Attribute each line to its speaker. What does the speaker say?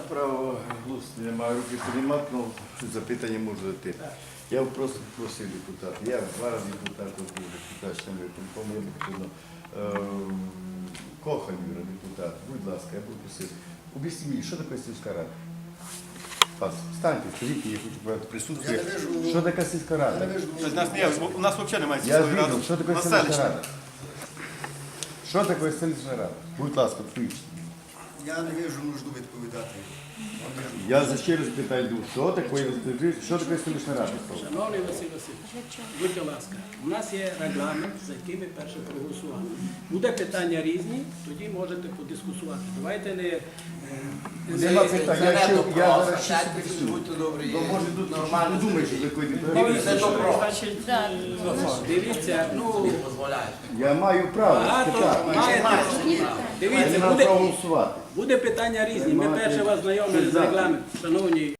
Speaker 1: право голосу немає, руки піднімати, але запитання можу дати. Я просто просив депутата, я 2 рази депутат був депутатським виконком, я потрібно Кохан Юра, депутат, будь ласка, я буду просив. Об'ясніть мені, що таке сільська рада? Пас, встаньте, скажіть, я хочу брати присутствие. Що таке сільська рада?
Speaker 2: У нас взагалі немає
Speaker 1: Я
Speaker 2: сільської ради.
Speaker 1: відомо, що таке сільська рада? Що таке сільська рада? Будь ласка, поясніть.
Speaker 3: Я не вижу нужду відповідати.
Speaker 1: Я за ще раз питаю, що таке селищна рада?
Speaker 4: Шановний Василь Васильович, будьте ласка, у нас є регламент, за який ми перше проголосували. Буде питання різні, тоді можете подискусувати. Давайте не...
Speaker 1: Нема питань, я зараз ще
Speaker 5: Будьте добрі,
Speaker 1: то може тут
Speaker 5: нормально.
Speaker 1: думаєш, що такої
Speaker 5: Це добро.
Speaker 4: Дивіться, ну,
Speaker 5: Дозволяєте.
Speaker 1: Я маю право
Speaker 4: багато
Speaker 1: спитати.
Speaker 4: маєте...
Speaker 1: Я не
Speaker 4: Дивіться,
Speaker 1: маю право голосувати.
Speaker 4: буде питання різні. Ми перше вас знайомили з регламентом, шановні.